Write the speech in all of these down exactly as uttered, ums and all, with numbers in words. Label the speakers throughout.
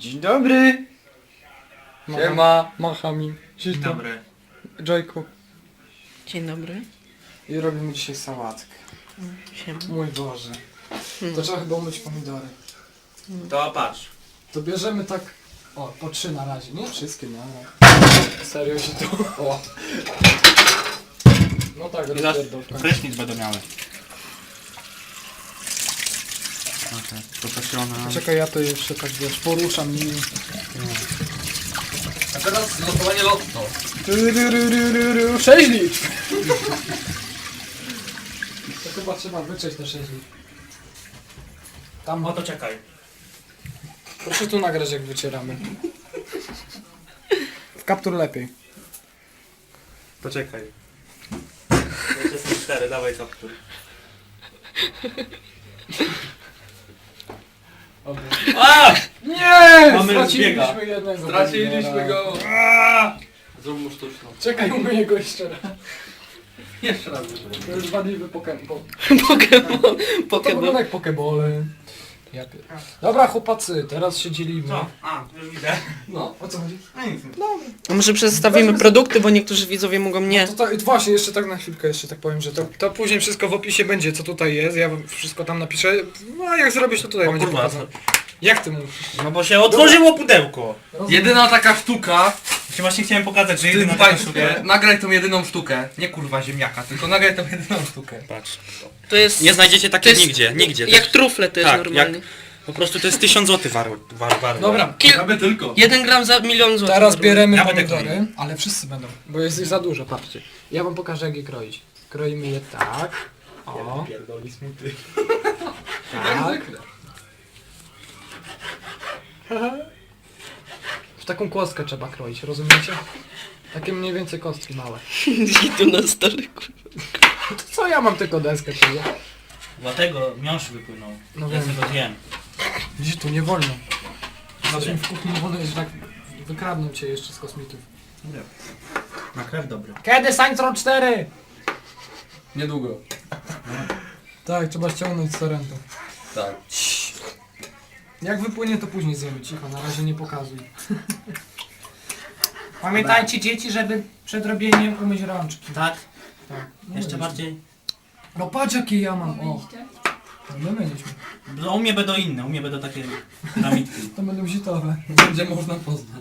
Speaker 1: Dzień dobry.
Speaker 2: Siema, macha mi.
Speaker 1: Dzień dobry.
Speaker 2: Joyku.
Speaker 3: Dzień dobry.
Speaker 2: I robimy dzisiaj sałatkę.
Speaker 3: Siema.
Speaker 2: Mój Boże. To trzeba chyba umyć pomidory.
Speaker 1: To patrz.
Speaker 2: To bierzemy tak... O, po trzy na razie. Nie wszystkie na razie. Serio się to... O. No tak,
Speaker 1: I zaraz
Speaker 2: rozpierdol.
Speaker 1: prysznic będą miały. Okej, poprosiona.
Speaker 2: Czekaj, ja to jeszcze tak wiesz, poruszam nimi.
Speaker 4: A teraz losowanie lotto.
Speaker 2: sześć liczb! To chyba trzeba wycześć te sześć liczb. Tam,
Speaker 1: O to czekaj.
Speaker 2: proszę tu nagrać jak wycieramy. W kaptur lepiej.
Speaker 1: Poczekaj. Jeszcze są cztery, dawaj kaptur. A!
Speaker 2: Nie!
Speaker 1: Mamy
Speaker 2: Straciliśmy
Speaker 1: zbiega.
Speaker 2: jednego.
Speaker 4: Straciliśmy
Speaker 2: pomidora.
Speaker 4: go.
Speaker 1: A!
Speaker 4: Zrób mu sztuczną.
Speaker 2: Czekaj, umyję go jeszcze raz.
Speaker 4: Jeszcze raz.
Speaker 2: To już wadliwy Pokémon.
Speaker 3: Pokemon.
Speaker 2: To
Speaker 3: Pokemon.
Speaker 2: wygląda jak Pokebole. Ja pier... Dobra chłopacy, teraz się dzielimy.
Speaker 1: Co? A, już widzę.
Speaker 4: No.
Speaker 2: O co chodzi?
Speaker 1: A nic.
Speaker 3: A może przedstawimy produkty, bo niektórzy widzowie mogą nie.
Speaker 2: To, to właśnie, jeszcze tak na chwilkę jeszcze tak powiem, że to, to później wszystko w opisie będzie, co tutaj jest, ja wam wszystko tam napiszę. No a jak zrobisz, to tutaj
Speaker 1: O
Speaker 2: będzie
Speaker 1: kurwa,
Speaker 2: pokazane. Jak ty mówisz?
Speaker 1: No bo się otworzyło pudełko.
Speaker 4: Jedyna taka sztuka
Speaker 1: Właśnie właśnie chciałem pokazać, że
Speaker 4: w tym
Speaker 1: jedyna taka
Speaker 4: państwie.
Speaker 1: sztuka.
Speaker 4: Nagraj tą jedyną sztukę. Nie kurwa ziemniaka, tylko nagraj tą jedyną sztukę.
Speaker 1: Patrz.
Speaker 3: To jest.
Speaker 1: Nie znajdziecie
Speaker 3: to
Speaker 1: takiej
Speaker 3: jest
Speaker 1: nigdzie, nigdzie. To
Speaker 3: Jak
Speaker 1: jest-
Speaker 3: trufle to jest
Speaker 1: tak,
Speaker 3: normalnie.
Speaker 1: jak- Po prostu to jest tysiąc złotych war, war, war.
Speaker 2: Dobra,
Speaker 3: Kil...
Speaker 4: Aby tylko.
Speaker 3: Jeden gram za milion złotych.
Speaker 2: teraz
Speaker 3: normalnie.
Speaker 2: bieremy
Speaker 1: Ja będę
Speaker 2: pomidory,
Speaker 1: kroił.
Speaker 2: ale wszyscy będą, bo jest ich za dużo, patrzcie. Ja wam pokażę jak je kroić. Kroimy je tak. O,
Speaker 1: Pierdoli smuty.
Speaker 2: tak. W taką kostkę trzeba kroić, rozumiecie? Takie mniej więcej kostki małe.
Speaker 3: I tu na stole, kurwa.
Speaker 2: To co ja mam tylko deskę, czyli?
Speaker 1: Dlatego miąższ wypłynął.
Speaker 2: No
Speaker 1: Ja
Speaker 2: wiem.
Speaker 1: sobie go zjem.
Speaker 2: Widzisz, tu nie wolno.
Speaker 1: Dobra.
Speaker 2: Znaczy w kuchni nie wolno, że tak wykradną cię jeszcze z kosmitów.
Speaker 1: Na krew dobry.
Speaker 2: Kiedy Saints cztery?
Speaker 4: Niedługo.
Speaker 2: Tak, trzeba ściągnąć z torrentu.
Speaker 4: Tak.
Speaker 2: Jak wypłynie, to później zjemy. Cicho, na razie nie pokazuj. Pamiętajcie dzieci, żeby przed robieniem umyć rączki.
Speaker 1: Tak?
Speaker 2: Tak. No
Speaker 1: Jeszcze
Speaker 2: myliśmy.
Speaker 1: bardziej.
Speaker 2: No patrz jakie ja mam, o. No my myliśmy.
Speaker 1: No, u mnie będą inne, u mnie będą takie piramidki.
Speaker 2: To będą zitowe.
Speaker 4: Będzie można poznać.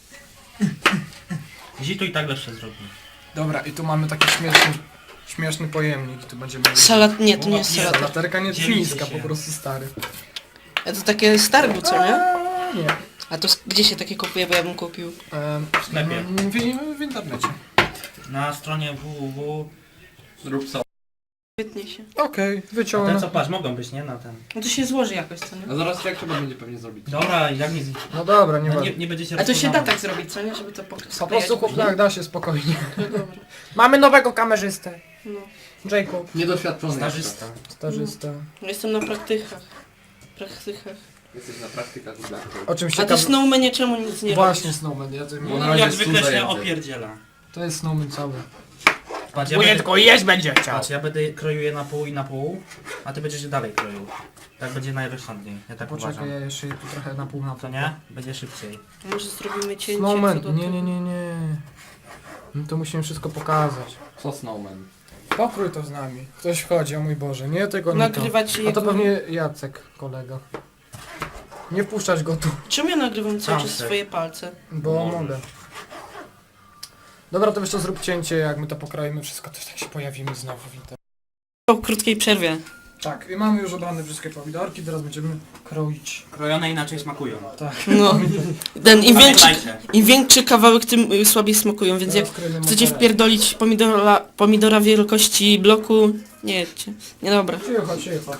Speaker 1: Zitu i tak lepsze zrobię.
Speaker 2: Dobra, i tu mamy taki śmieszny, śmieszny pojemnik. Tu będziemy...
Speaker 3: Salat, nie, to nie jest
Speaker 1: Nie,
Speaker 3: salat.
Speaker 2: Laterka nie
Speaker 1: Dzielicie
Speaker 2: fińska,
Speaker 1: się.
Speaker 2: po prostu stary.
Speaker 3: A to takie z targu, co nie?
Speaker 2: A, nie.
Speaker 3: A to s- gdzie się takie kupuje, bo ja bym kupił.
Speaker 2: Ehm,
Speaker 1: W sklepie.
Speaker 2: w, w, w internecie.
Speaker 1: Na stronie www.
Speaker 4: Zrób sobie.
Speaker 3: Świetnie się.
Speaker 2: Okej,
Speaker 1: A te
Speaker 2: wyciągnę.
Speaker 1: co patrz, mogą być, nie? Na ten.
Speaker 3: No to się złoży jakoś, co nie?
Speaker 4: A zaraz jak trzeba będzie pewnie zrobić.
Speaker 1: Dobra, jak nie,
Speaker 2: No dobra, nie
Speaker 1: no,
Speaker 2: ma.
Speaker 1: nie, nie będziecie
Speaker 3: A to się da
Speaker 1: rozpoznawać.
Speaker 3: tak zrobić, co nie? Żeby to pok-
Speaker 2: Po prostu chłop, tak, da się spokojnie.
Speaker 3: No dobra.
Speaker 2: Mamy nowego kamerzystę.
Speaker 3: No.
Speaker 2: Jacob.
Speaker 4: Niedoświadczony
Speaker 1: Starzysta.
Speaker 2: Starzysta.
Speaker 3: Ja Jestem na praktykach. Praktykach.
Speaker 4: Jesteś na praktykach w Black
Speaker 2: O czym się
Speaker 3: A ty Snowmanie czemu nic nie
Speaker 2: Właśnie
Speaker 3: robisz?
Speaker 2: Snowman, ja to,
Speaker 4: Bo na
Speaker 1: No,
Speaker 4: razie
Speaker 1: jak
Speaker 4: jest
Speaker 1: zwykle
Speaker 4: tu
Speaker 1: się
Speaker 4: zajęty.
Speaker 1: opierdziela.
Speaker 2: to jest Snowman cały.
Speaker 1: Patrz, ja będę,
Speaker 2: jeść będzie chciał.
Speaker 1: patrz, ja będę kroił je na pół i na pół, a ty będziesz je dalej kroił. Tak będzie najrozsądniej, ja tak
Speaker 2: Poczekaj,
Speaker 1: uważam.
Speaker 2: ja jeszcze tu trochę na pół na
Speaker 1: To
Speaker 2: pół.
Speaker 1: nie? Będzie szybciej.
Speaker 3: Może zrobimy cięcie. co
Speaker 2: Snowman,
Speaker 3: do
Speaker 2: nie,
Speaker 3: tego.
Speaker 2: nie, nie, nie. No to musimy wszystko pokazać.
Speaker 4: Co Snowman?
Speaker 2: Pokrój to z nami. Ktoś wchodzi, o mój Boże, nie tego, nie
Speaker 3: Nagrywać
Speaker 2: to. A
Speaker 3: jego...
Speaker 2: to pewnie Jacek, kolega. Nie wpuszczać go tu,
Speaker 3: Czemu ja nagrywam cały czas
Speaker 1: Tamte.
Speaker 3: swoje palce?
Speaker 2: bo
Speaker 1: Może.
Speaker 2: mogę. Dobra, to jeszcze zrób cięcie, jak my to pokroimy wszystko, to tak się pojawimy znowu w internecie.
Speaker 3: Po krótkiej przerwie.
Speaker 2: Tak, i mamy już obrane wszystkie pomidorki, teraz będziemy kroić.
Speaker 1: Krojone inaczej smakują.
Speaker 2: Tak.
Speaker 3: No. Ten, im, większy,
Speaker 1: Pamiętajcie.
Speaker 3: Im większy kawałek, tym y, słabiej smakują, więc jak
Speaker 2: Teraz kroimy
Speaker 3: chcecie
Speaker 2: mozzarellę.
Speaker 3: wpierdolić pomidora, pomidora wielkości bloku, nie jedźcie. Nie dobra.
Speaker 2: Cicho, cicho.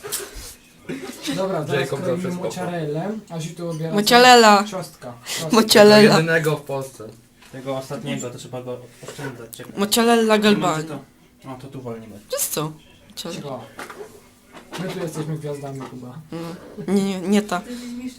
Speaker 2: Dobra, teraz
Speaker 4: Jacob
Speaker 2: kroimy
Speaker 4: zawsze
Speaker 2: mozzarellę, a tu obiera
Speaker 3: Mocialela.
Speaker 2: ciostka.
Speaker 3: Mocialela.
Speaker 4: Jedynego w Polsce.
Speaker 1: Tego ostatniego to trzeba go oszczędzać. Czekaj.
Speaker 3: Mocialela
Speaker 1: Nie
Speaker 3: galbani.
Speaker 1: będzie to- O, to tu wolniej będzie.
Speaker 3: To jest co? Mocialela.
Speaker 2: Cicho. My tu jesteśmy gwiazdami chyba.
Speaker 3: No. Nie, nie, nie ta.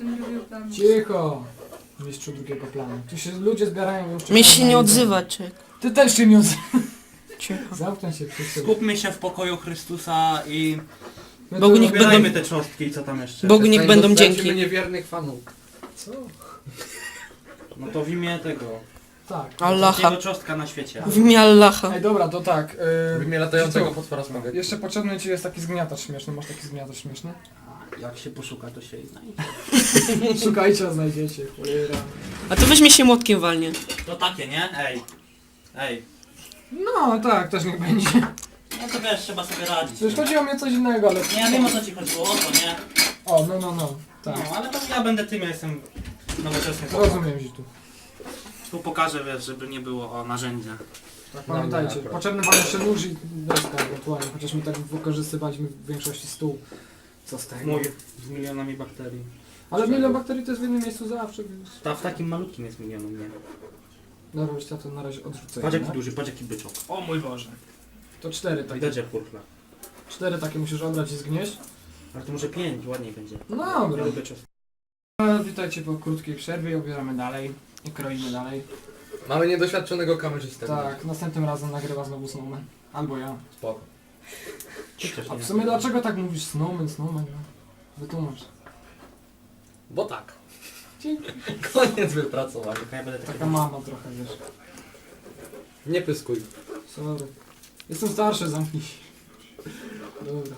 Speaker 2: Cicho! Mistrzu drugiego planu. Tu się ludzie zbierają już.
Speaker 3: Mnie się
Speaker 2: czekają
Speaker 3: nie
Speaker 2: na
Speaker 3: odzywa, czek.
Speaker 2: Ty też się nie odzywaj.
Speaker 3: Cicho.
Speaker 2: Zamknę się wszyscy.
Speaker 1: Skupmy się w pokoju Chrystusa i
Speaker 2: My
Speaker 3: Bogu
Speaker 2: tu
Speaker 3: niech
Speaker 2: robimy-
Speaker 1: ubierajmy te cząstki i co tam jeszcze.
Speaker 3: Bogu niech będą
Speaker 4: Dostarczymy
Speaker 3: dzięki.
Speaker 4: niewiernych fanów.
Speaker 2: Co?
Speaker 1: No to w imię tego.
Speaker 2: Tak.
Speaker 3: Allaha.
Speaker 1: Ostatniego czostka na świecie.
Speaker 3: W imię Allaha.
Speaker 2: Ej, dobra, to tak.
Speaker 5: W
Speaker 2: Yy,
Speaker 5: imię latającego
Speaker 2: Życiu,
Speaker 5: potwora smogę.
Speaker 2: jeszcze potrzebny ci jest taki zgniatacz śmieszny. Masz taki zgniatacz śmieszny?
Speaker 1: Jak się poszuka, to się i znajdzie.
Speaker 2: Szukajcie, a znajdziecie. Cholera.
Speaker 3: A to weźmie się młotkiem walnie.
Speaker 1: To takie, nie? Ej. Ej.
Speaker 2: No tak, też niech będzie.
Speaker 1: No to wiesz, trzeba sobie radzić.
Speaker 2: Przecież chodzi o mnie coś innego, ale...
Speaker 1: Nie, ja wiem o co ci chodziło, o to, nie?
Speaker 2: O, no, no, no. Tak.
Speaker 1: No, ale to ja będę tym, ja jestem nowoczesny.
Speaker 2: Rozumiem, że tu.
Speaker 1: Tu pokażę, wiesz, żeby nie było o narzędzia.
Speaker 2: Tak, pamiętajcie,
Speaker 5: Dobra.
Speaker 2: potrzebny wam jeszcze nóż i deska ewentualnie, chociaż my tak wykorzystywaliśmy w większości stół. Co z tego?
Speaker 1: Mój. Z milionami bakterii.
Speaker 2: Ale milion bakterii to jest w jednym miejscu zawsze, więc...
Speaker 1: Ta w takim malutkim jest milionem, nie?
Speaker 2: Dobra, już ja to na razie odrzucę.
Speaker 1: Patrz jaki
Speaker 2: nie?
Speaker 1: duży, patrz jaki byczok.
Speaker 2: O mój Boże. To cztery takie.
Speaker 1: Widać jak kurkla.
Speaker 2: Cztery takie musisz obrać i zgnieść.
Speaker 1: Ale to może pięć, ładniej będzie.
Speaker 2: No dobra.
Speaker 1: Ale byczek.
Speaker 2: E, Witajcie po krótkiej przerwie, obieramy dalej i kroimy dalej.
Speaker 5: Mamy niedoświadczonego kamerzystę.
Speaker 2: Tak, następnym razem nagrywa znowu Snowman. Albo ja.
Speaker 5: Spoko.
Speaker 2: A w sumie dlaczego tak mówisz Snowman, Snowman? No? Wytłumacz.
Speaker 5: Bo tak.
Speaker 2: Dzięki.
Speaker 5: Koniec wypracowania.
Speaker 1: Tylko ja będę taki...
Speaker 2: Taka mama trochę, wiesz.
Speaker 5: Nie pyskuj.
Speaker 2: Sorry. Jestem starszy, zamknij się. Dobra.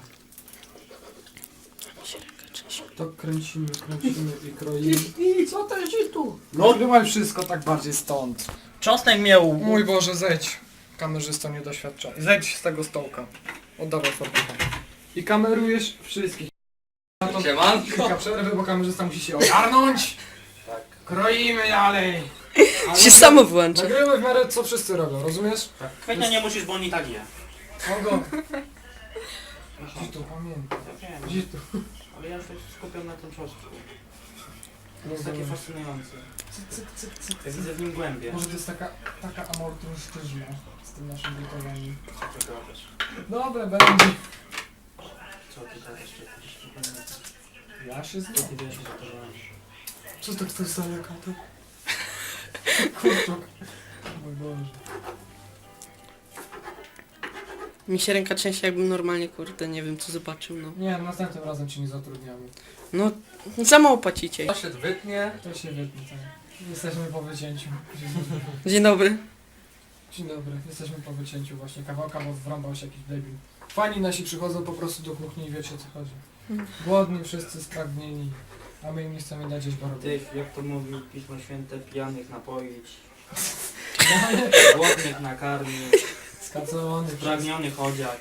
Speaker 2: To kręcimy, kręcimy i kroimy. I co to jest tu?
Speaker 1: No.
Speaker 2: Nagrywaj wszystko tak bardziej stąd.
Speaker 1: Czosnek miał...
Speaker 2: Mój Boże, zejdź. Kamerzysto niedoświadczony. Zejdź z tego stołka. Oddawaj fotografa. I kamerujesz wszystkich. Na to kilka przerwy, bo kamerzysta musi się ogarnąć.
Speaker 1: Tak.
Speaker 2: Kroimy dalej. Ale
Speaker 3: Się samo wyłącza.
Speaker 2: nagrywaj w miarę co wszyscy robią, rozumiesz?
Speaker 1: Tak. Kwietnia nie musisz, bo on i tak je.
Speaker 2: Ogo. Gdzieś tu, pamiętaj.
Speaker 1: Ja wiem,
Speaker 2: Gdzieś tu.
Speaker 1: ale ja już tak skupiam na tym czosnku. To jest takie fascynujące.
Speaker 2: Cyk, cyk, cyk, cyk,
Speaker 1: Ja
Speaker 2: cyk.
Speaker 1: widzę w nim głębie.
Speaker 2: Może to jest taka, taka amortyzma z tym naszym gotowaniem.
Speaker 1: Co ty gadasz?
Speaker 2: Dobra, będzie.
Speaker 1: Co ty gadasz? Czekaj.
Speaker 2: Ja się
Speaker 1: Co
Speaker 2: znam.
Speaker 1: ty wiesz, że to robisz?
Speaker 2: Co to ktoś stanie kato? Kurczuk. Mój Boże.
Speaker 3: Mi się ręka trzęsie jakbym normalnie, kurde, nie wiem co zobaczył, no.
Speaker 2: Nie, następnym razem cię nie zatrudniamy.
Speaker 3: No, za mało płacicie.
Speaker 5: To się wytnie.
Speaker 2: To się wytnie, tak. Jesteśmy po wycięciu.
Speaker 3: Dzień dobry.
Speaker 2: Dzień dobry, jesteśmy po wycięciu właśnie kawałka, bo wrąbał się jakiś debil. Fani nasi przychodzą po prostu do kuchni i wiecie o co chodzi. Głodni, wszyscy spragnieni, a my im nie chcemy dać jeść borowy.
Speaker 1: Ty, jak to mówi Pismo Święte, pijanych napoić, głodnych nakarmić,
Speaker 2: Skacowany,
Speaker 1: spragnionych odziać.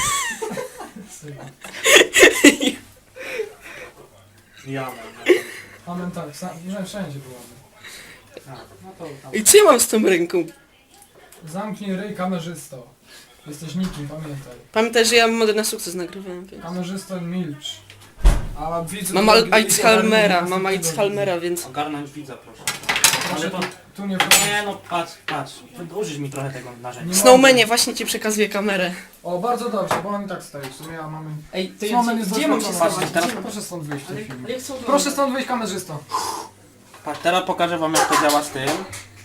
Speaker 1: Ja mam.
Speaker 2: Amen tak, sam, że wszędzie byłamy.
Speaker 1: Tak, no to tam.
Speaker 3: I co ja mam z tą ręką?
Speaker 2: Zamknij ryj, kamerzysto. Jesteś nikim, pamiętaj.
Speaker 3: Pamiętaj, że ja modę na sukces nagrywałem, więc...
Speaker 2: Kamerzysto, milcz. A widzu...
Speaker 3: Mam Al- Alzheimera, mam Alzheimera, więc...
Speaker 1: Ogarnąć widza, proszę.
Speaker 2: Ale
Speaker 1: Ale
Speaker 2: to...
Speaker 1: to...
Speaker 2: Tu nie
Speaker 1: Nie no, patrz, patrz. Użyć mi trochę tego narzędzia.
Speaker 2: Nie
Speaker 3: Snowmanie, właśnie ci przekazuję kamerę.
Speaker 2: O, bardzo dobrze, bo on i tak stoi. W sumie a mamy...
Speaker 1: Ej, ty,
Speaker 2: Snowman jest
Speaker 1: gdzie mam się
Speaker 2: doświadczony.
Speaker 1: schować teraz?
Speaker 2: Proszę stąd wyjść w tym filmie.
Speaker 1: jak są
Speaker 2: Proszę stąd wyjść, kamerzysto.
Speaker 1: Patrz, teraz pokażę wam jak to działa z tym.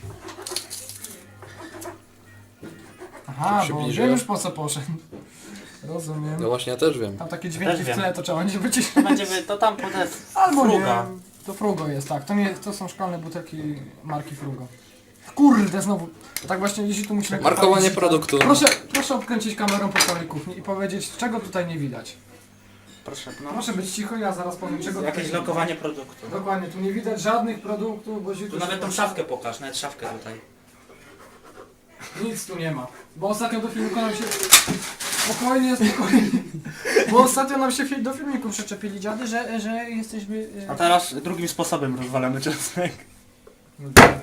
Speaker 2: Aha, bo
Speaker 5: Przybliżę.
Speaker 2: wiem już po co poszedł. Rozumiem.
Speaker 5: No właśnie, ja też wiem.
Speaker 2: Tam takie dźwięki
Speaker 1: Też
Speaker 2: w
Speaker 1: wiem.
Speaker 2: tle, to trzeba nie wyciszyć.
Speaker 1: Będzie wy, to tam potem
Speaker 2: Albo
Speaker 1: Fruga.
Speaker 2: nie. To Frugo jest, tak. To nie, to są szklane butelki marki Frugo. Kurde, znowu. Tak właśnie jeśli tu musimy...
Speaker 5: Markowanie
Speaker 2: poprawić-
Speaker 5: produktu.
Speaker 2: Proszę, proszę obkręcić kamerą po całej kuchni i powiedzieć, czego tutaj nie widać.
Speaker 1: Proszę, no.
Speaker 2: Proszę być cicho, ja zaraz powiem, czego tutaj
Speaker 1: Jakieś
Speaker 2: nie widać.
Speaker 1: lokowanie produktu.
Speaker 2: Dokładnie, tu nie widać żadnych produktów, bo się
Speaker 1: Tu nawet tą szafkę pokaż, nawet szafkę tutaj.
Speaker 2: Nic tu nie ma. Bo ostatnio do filmiku nam się... Spokojnie, spokojnie. Bo ostatnio nam się fi- do filmiku przyczepili dziady, że, że jesteśmy... e,
Speaker 1: A teraz drugim sposobem rozwalamy czosnek.
Speaker 2: No tak.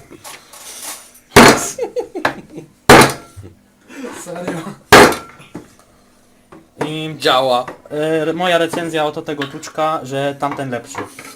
Speaker 2: Serio?
Speaker 1: I
Speaker 5: Działa.
Speaker 1: e, moja recenzja oto tego tuczka, że tamten lepszy.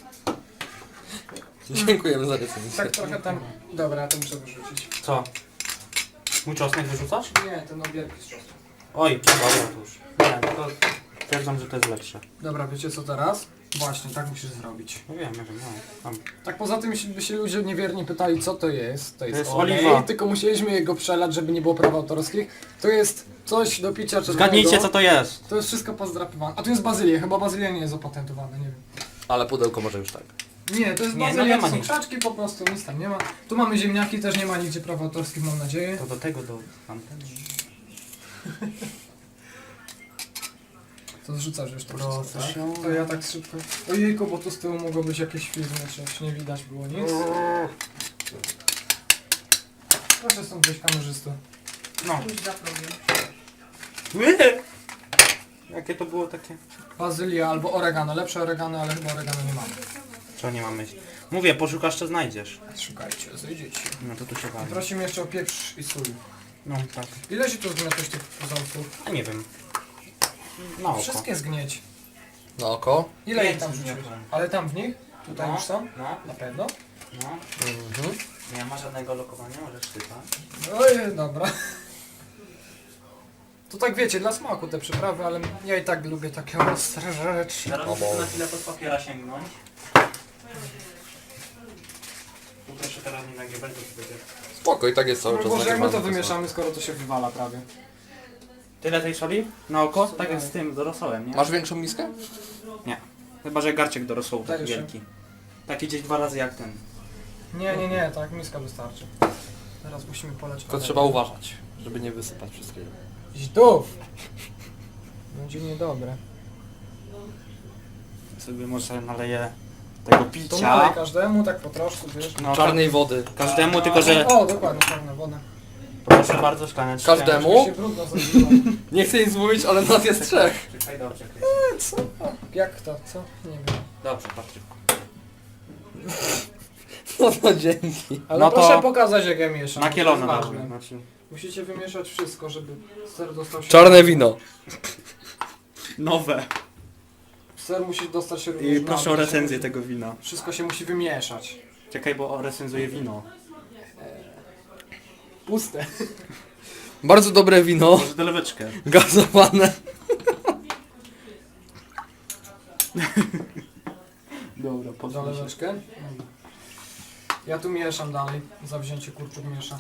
Speaker 5: Dziękujemy za recenzję.
Speaker 2: Tak trochę tam... Dobra, ja to muszę wyrzucić.
Speaker 1: Co? Mój czosnek wyrzucasz?
Speaker 2: Nie, ten obierki z czosnku.
Speaker 1: Oj, dobra to już. Nie, to twierdzam, że to jest lepsze.
Speaker 2: Dobra, wiecie co teraz? Właśnie, tak musisz zrobić.
Speaker 1: No wiem, nie wiem, no. Tam.
Speaker 2: Tak poza tym, jeśli by się ludzie niewiernie pytali, co to jest, to jest,
Speaker 1: jest
Speaker 2: olej,
Speaker 1: oliwa.
Speaker 2: tylko musieliśmy jego przelać, żeby nie było praw autorskich. To jest coś do picia czerwonego.
Speaker 1: Zgadnijcie co to jest.
Speaker 2: To jest wszystko pozdrapywane. A tu jest bazylia, chyba bazylia nie jest opatentowana, nie wiem.
Speaker 5: Ale pudełko może już tak.
Speaker 2: Nie, to jest
Speaker 1: Nie, no
Speaker 2: bazylia,
Speaker 1: nie ma
Speaker 2: to są
Speaker 1: nic.
Speaker 2: krzaczki po prostu, nic tam nie ma. Tu mamy ziemniaki, też nie ma nigdzie praw autorskich, mam nadzieję.
Speaker 1: To do tego, do tamtego.
Speaker 2: To zrzucasz już to
Speaker 1: Proszę
Speaker 2: wszystko, tak?
Speaker 1: się.
Speaker 2: To ja tak szybko. Ojejku, bo tu z tyłu mogło być jakieś firmy, coś nie widać było nic. Proszę stąd wyjść kamerzysto.
Speaker 1: No.
Speaker 6: Już za progiem.
Speaker 1: Jakie to było takie?
Speaker 2: Bazylia albo oregano, lepsze oregano, ale chyba oregano nie mamy.
Speaker 1: Co nie mamy? Mówię, poszukasz, to znajdziesz.
Speaker 2: Szukajcie, znajdziecie.
Speaker 1: No to tu się bawi.
Speaker 2: Prosimy jeszcze o pieprz i sól.
Speaker 1: No tak.
Speaker 2: Ile się tu zgniotłeś tych pozorków?
Speaker 1: Ja nie wiem. Na oko.
Speaker 2: Wszystkie zgnieć.
Speaker 5: Na oko.
Speaker 2: Ile
Speaker 1: Pięć
Speaker 2: ich tam wrzuciłeś?
Speaker 1: zgniotłem.
Speaker 2: Ale tam w nich? Tutaj
Speaker 1: No.
Speaker 2: już są?
Speaker 1: No,
Speaker 2: Na pewno?
Speaker 1: no.
Speaker 5: Mhm.
Speaker 1: Nie ma żadnego lokowania, możesz czytać.
Speaker 2: Oj, dobra. To tak wiecie, dla smaku te przyprawy, ale ja i tak lubię takie ostre rzeczy.
Speaker 1: Teraz
Speaker 5: O
Speaker 1: muszę
Speaker 5: Boże.
Speaker 1: na chwilę pod papiera sięgnąć. Tu proszę teraz nie nagrywać, bo to będzie...
Speaker 5: Spoko, i tak jest cały czas
Speaker 2: Boże, jak my to
Speaker 5: nagrywane,
Speaker 2: wymieszamy, skoro to się wywala prawie.
Speaker 1: Tyle tej soli? Na oko? Tak jak z tym dorosołem, nie?
Speaker 5: Masz większą miskę?
Speaker 1: Chyba, że garciek do rosołu taki
Speaker 2: Daj jeszcze.
Speaker 1: wielki. Taki gdzieś dwa razy jak ten.
Speaker 2: Nie, nie, nie, tak miska wystarczy. Teraz musimy poleć.
Speaker 5: Tylko trzeba uważać, żeby nie wysypać wszystkiego.
Speaker 2: Idź tu! Będzie niedobre.
Speaker 1: Sobie może naleję tego
Speaker 2: To
Speaker 1: picia.
Speaker 2: nalej każdemu, tak po troszku, wiesz.
Speaker 1: No,
Speaker 5: Czarnej wody.
Speaker 1: ka- każdemu, tylko że...
Speaker 2: O, dokładnie, czarna woda.
Speaker 1: Proszę bardzo, szklaneczkę.
Speaker 5: Każdemu?
Speaker 2: Troszkę się brudno zrobiło.
Speaker 5: Nie chcę nic mówić, ale nas jest trzech.
Speaker 1: Czekaj, dobrze, Krystian.
Speaker 2: Co? Jak to, co? Nie wiem.
Speaker 1: Dobrze, Patryk.
Speaker 5: No to dzięki.
Speaker 2: Ale
Speaker 1: No to-
Speaker 2: proszę pokazać, jak ja mieszam.
Speaker 1: Na
Speaker 2: to
Speaker 1: kielono
Speaker 2: jest
Speaker 1: damy.
Speaker 2: ważne.
Speaker 1: Znaczy...
Speaker 2: Musicie wymieszać wszystko, żeby ser dostał się...
Speaker 5: Czarne wino.
Speaker 1: Nowe.
Speaker 2: Ser musi dostać się
Speaker 1: I
Speaker 2: również
Speaker 1: proszę o
Speaker 2: na-
Speaker 1: recenzję tego wina.
Speaker 2: Wszystko się musi wymieszać.
Speaker 1: Czekaj, bo recenzuję wino.
Speaker 2: Puste.
Speaker 5: Bardzo dobre wino.
Speaker 1: Może doleweczkę.
Speaker 5: Gazowane.
Speaker 1: Dobra, podwójnie.
Speaker 2: Zaleweczkę. Ja tu mieszam dalej. Zawzięcie kurczuk miesza.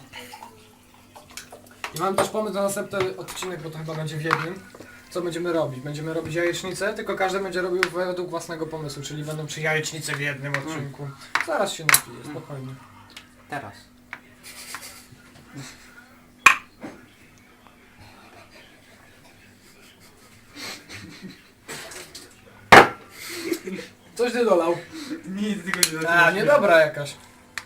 Speaker 2: I mam też pomysł na następny odcinek, bo to chyba będzie w jednym. Co będziemy robić? Będziemy robić jajecznicę, tylko każdy będzie robił według własnego pomysłu, czyli będą trzy jajecznice w jednym odcinku. Zaraz się napiję, spokojnie.
Speaker 1: Teraz.
Speaker 2: Coś ty dolał.
Speaker 1: Nic, tylko się
Speaker 2: A, niedobra jakaś.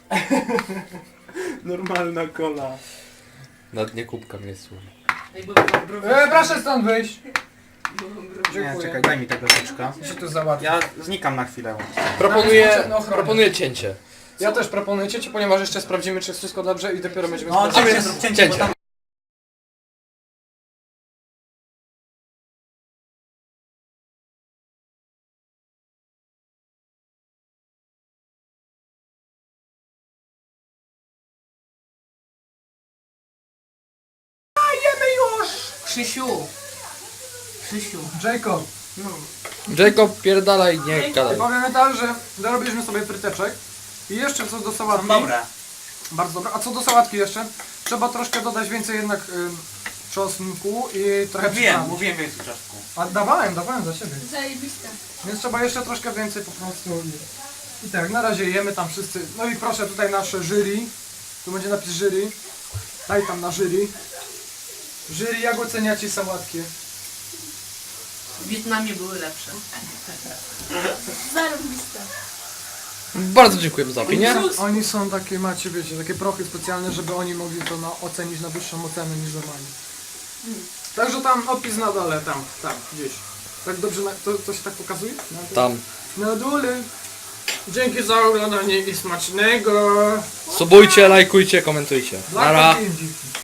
Speaker 1: Normalna kola.
Speaker 5: Na dnie kubka mnie słów.
Speaker 6: Ej, bo mam browę.
Speaker 2: E, proszę stąd wyjść.
Speaker 1: Nie,
Speaker 2: Dziękuję.
Speaker 1: czekaj, daj mi tego troszeczkę.
Speaker 2: Ja się tu załatwię.
Speaker 1: Ja znikam na chwilę.
Speaker 5: Proponuję,
Speaker 2: potrzebna ochrona.
Speaker 5: proponuję cięcie.
Speaker 2: Ja też proponuję cię, ponieważ jeszcze sprawdzimy, czy jest wszystko dobrze i dopiero będziemy
Speaker 1: No,
Speaker 2: sprawdzać.
Speaker 1: cięcie, zrób cięcie, bo
Speaker 5: Cięcie.
Speaker 1: tam...
Speaker 6: Krzysiu! Krzysiu.
Speaker 2: Jacob,
Speaker 5: Jacob, pierdalaj, nie gadaj.
Speaker 2: powiemy tak, że dorobiliśmy sobie fryteczek. I jeszcze co do sałatki.
Speaker 1: Dobra.
Speaker 2: Bardzo dobre. A co do sałatki jeszcze? Trzeba troszkę dodać więcej jednak ym, czosnku i trochę
Speaker 1: Mówiłem,
Speaker 2: przyprawy.
Speaker 1: mówiłem więcej czaszku.
Speaker 2: A dawałem, dawałem za siebie.
Speaker 6: Zajebiste.
Speaker 2: Więc trzeba jeszcze troszkę więcej po prostu. I, i tak, na razie jemy tam wszyscy. No i proszę tutaj nasze jury. Tu będzie napis jury. Daj tam na jury. Jury, jak oceniacie sałatki?
Speaker 6: W Wietnamie były lepsze. Zarobiste.
Speaker 5: Bardzo dziękujemy za opinię.
Speaker 2: Oni są takie, macie, wiecie, takie prochy specjalne, żeby oni mogli to na, ocenić na wyższą ocenę niż normalnie. Także tam opis na dole, tam, tam, gdzieś. Tak dobrze, na, to, to się tak pokazuje? Na dole?
Speaker 5: Tam.
Speaker 2: Na dole. Dzięki za oglądanie i smacznego.
Speaker 5: Subujcie, lajkujcie, komentujcie.
Speaker 2: Dla
Speaker 5: Nara.
Speaker 2: dzięki.